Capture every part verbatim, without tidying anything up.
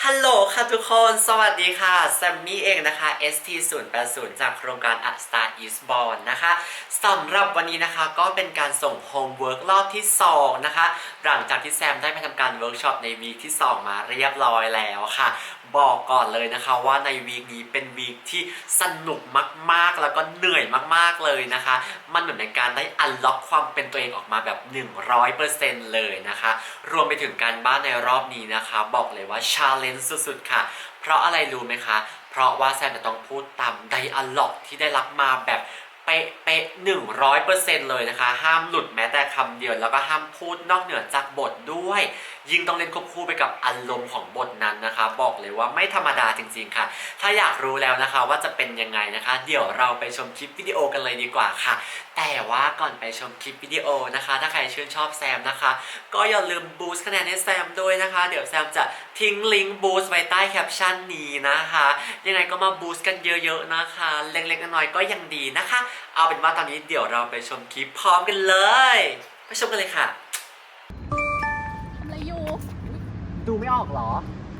ฮัลโหลค่ะทุกคน สวัสดีค่ะแซมมี่เองนะคะ เอส ที ศูนย์ แปด ศูนย์ จากโครงการ A Star is Born นะคะสำหรับวันนี้นะคะก็เป็นการส่งโฮมเวิร์กรอบที่สองนะคะหลังจากที่แซมได้ไปทำการเวิร์กช็อปในวีคที่สองมาเรียบร้อยแล้วค่ะบอกก่อนเลยนะคะว่าในวีคนี้เป็นวีคที่สนุกมากๆแล้วก็เหนื่อยมากๆเลยนะคะมันเหมือนเป็นการได้อันล็อกความเป็นตัวเองออกมาแบบ หนึ่งร้อยเปอร์เซ็นต์ เลยนะคะรวมไปถึงการบ้านในรอบนี้นะคะบอกเลยว่าชาเลนจ์สุดๆค่ะเพราะอะไรรู้ไหมคะเพราะว่าแซมจะต้องพูดตามไดอะล็อกที่ได้รับมาแบบเป๊ะเป๊ะหนึ่งร้อยเปอร์เซ็นต์เลยนะคะห้ามหลุดแม้แต่คำเดียวแล้วก็ห้ามพูดนอกเหนือจากบทด้วยยิ่งต้องเล่นควบคู่ไปกับอารมณ์ของบทนั้นนะคะบอกเลยว่าไม่ธรรมดาจริงๆค่ะถ้าอยากรู้แล้วนะคะว่าจะเป็นยังไงนะคะเดี๋ยวเราไปชมคลิปวิดีโอกันเลยดีกว่าค่ะแต่ว่าก่อนไปชมคลิปวิดีโอนะคะถ้าใครชื่นชอบแซมนะคะก็อย่าลืมบูสต์คะแนนให้แซมด้วยนะคะเดี๋ยวแซมจะทิ้งลิงก์บูสต์ไว้ใต้แคปชั่นนี้นะคะยังไงก็มาบูสต์กันเยอะๆนะคะเล็กๆน้อยๆก็ยังดีนะคะเอาเป็นว่าตอนนี้เดี๋ยวเราไปชมคลิปพร้อมกันเลยไปชมกันเลยค่ะทำอะไรอยู่ดูไม่ออกเหรอ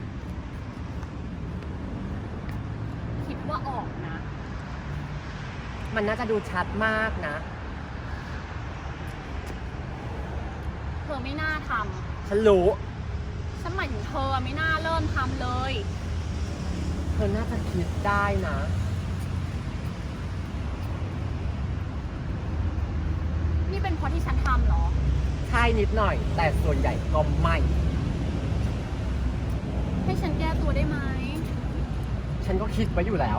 คิดว่าออกนะมันน่าจะดูชัดมากนะเธอไม่น่าทฉันรู้ำฉันหมายถึงเธอไม่น่าเริ่มทำเลยเธอน่าจะคิดได้นะนี่เป็นเพราะที่ฉันทำเหรอใช่นิดหน่อย แต่ส่วนใหญ่ก็ไม่ให้ฉันแก้ตัวได้ไหมฉันก็คิดไว้อยู่แล้ว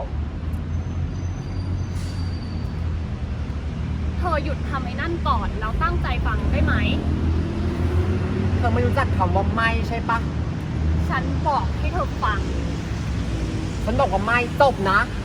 เธอหยุดทำไอ้นั่นก่อนแล้วตั้งใจฟังได้ไหมเธอไม่รู้จักคำว่าไม่ใช่ปะฉันบอกให้เธอฟังฉันบอกว่าไม่จบนะ